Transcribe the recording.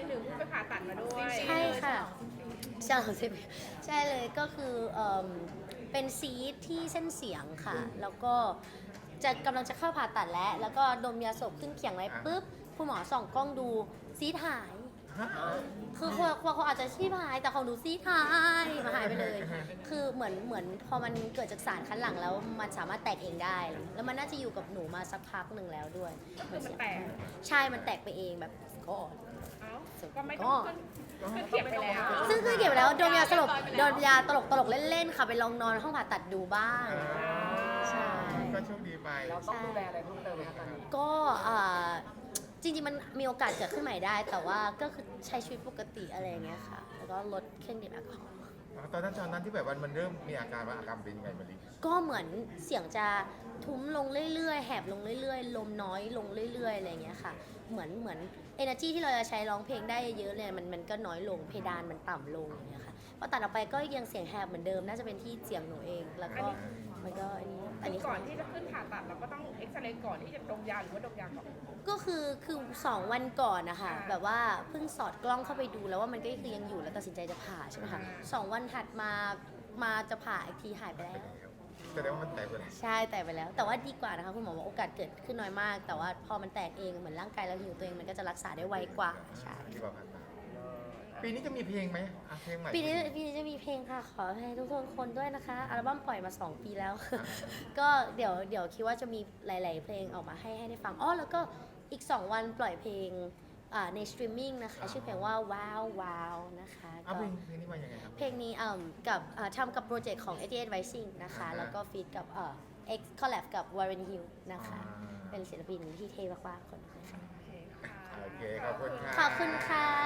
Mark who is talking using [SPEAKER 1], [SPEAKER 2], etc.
[SPEAKER 1] หนึ่งเพิ่งไปผ่าตัดมาด้วย
[SPEAKER 2] ใช่ค่ะใช่ใช่เลยก็คือเป็นซีสที่เส้นเสียงค่ะ แล้วก็กำลังจะเข้าผ่าตัดแล้วก็ดมยาสลบขึ้นเขียงไว้ปุ๊บคุณหมอส่องกล้องดูซีสหาย คือคนอาจจะชีพหายแต่ของหนูซีดหายมาหายไปเลย คือเหมือนพอมันเกิดจากสารคัดหลั่งแล้วมันสามารถแตกเองได้ แล้วมันน่าจะอยู่กับหนูมาสักพักหนึ่งแล้วด้วย
[SPEAKER 1] คือมันแตก
[SPEAKER 2] ใช่มันแตกไปเองแบบก็
[SPEAKER 1] เอ้าก็ไม่ต้องขึ้นเขียงไปแล้ว
[SPEAKER 2] ซึ่งคือเก็บไว้แล้วโดนยาสลบโดนยาตลกเล่นๆค่ะไปลองนอนห้องผ่าตัดดูบ้างใช่
[SPEAKER 3] ก็โชคดีไป
[SPEAKER 4] เราต้องดูแลอะไรเพิ่มเติมไหมคะตอนนี้
[SPEAKER 2] ก็จริงๆมันมีโอกาสเกิดขึ้นใหม่ได้ แต่ว่าก็คือใช้ชีวิตปกติอะไรอย่างเงี้ยค่ะแล้วก็ลดเครื่องดื่มแอลกอฮอล์
[SPEAKER 3] ตอนนั้นที่แบบมันเริ่มมีอาการว่าอาการเป็นยังไงมาลิ
[SPEAKER 2] ก็เหมือนเสียงจะทุ้มลงเรื่อยๆแหบลงเรื่อยๆลมน้อยลงเรื่อยๆอะไรอย่างเงี้ยค่ะเหมือน energy ที่เราจะใช้ร้องเพลงได้เยอะเลยมันก็น้อยลงเพดานมันต่ำลงอย่างเงี้ยค่ะพอตัดออกไปก็ยังเสียงแหบเหมือนเดิมน่าจะเป็นที่เสียงหนูเองแล้วก็มันก็อันนี้
[SPEAKER 1] ก่อนที่จะขึ้นผ่าตัดเราก็ต้องเอ็กซเรย์ก่อนที่จะดมยาหรือว่าดมยาก่อน
[SPEAKER 2] ก็คือ2 วันก่อนนะคะแบบว่าเพิ่งสอดกล้องเข้าไปดูแล้วว่ามันก็คือยังอยู่แล้วตัดสินใจจะผ่าใช่ไหมคะ2 วันถัดมาจะผ่าอีกทีหายไปแล้ว
[SPEAKER 3] แสดงว่ามันแตกไปแล้ว
[SPEAKER 2] ใช่แตกไปแล้ว แต่ว่าดีกว่านะคะคุณหมอบอกโอกาสเกิดขึ้นน้อยมาก แต่ว่าพอมันแตกเองเหมือนร่างกายเราหิวตัวเองมันก็จะรักษาได้ไวกว่าใช่
[SPEAKER 3] ดีกว่าผ่านมาปีนี้จะมีเพลงไหมเพลงใหม่
[SPEAKER 2] ปีนี้จะมีเพลงค่ะขอให้ทุกคนด้วยนะคะอัลบั้มปล่อยมา2 ปีแล้ว ก็เดี๋ยวคิดว่าจะมีหลาย ๆ เพลงออกมาให้ได้ฟังแล้วก็อีก2 วันปล่อยเพลงในสตรีมมิ่งนะคะชื่อเพลงว่าว้าวว้าวนะคะ
[SPEAKER 3] เอาเพลงนี้มายังไงครับ
[SPEAKER 2] เพลงนี้กับทำกับโปรเจกต์ของ88 Rising นะคะแล้วก็ฟีดกับX collab กับ Warren Hill นะคะ เป็นศิลปินที่เท่มากๆคนนึงค่ะ
[SPEAKER 3] โอเคขอบคุณค่ะ
[SPEAKER 2] ขอบคุณค่ะ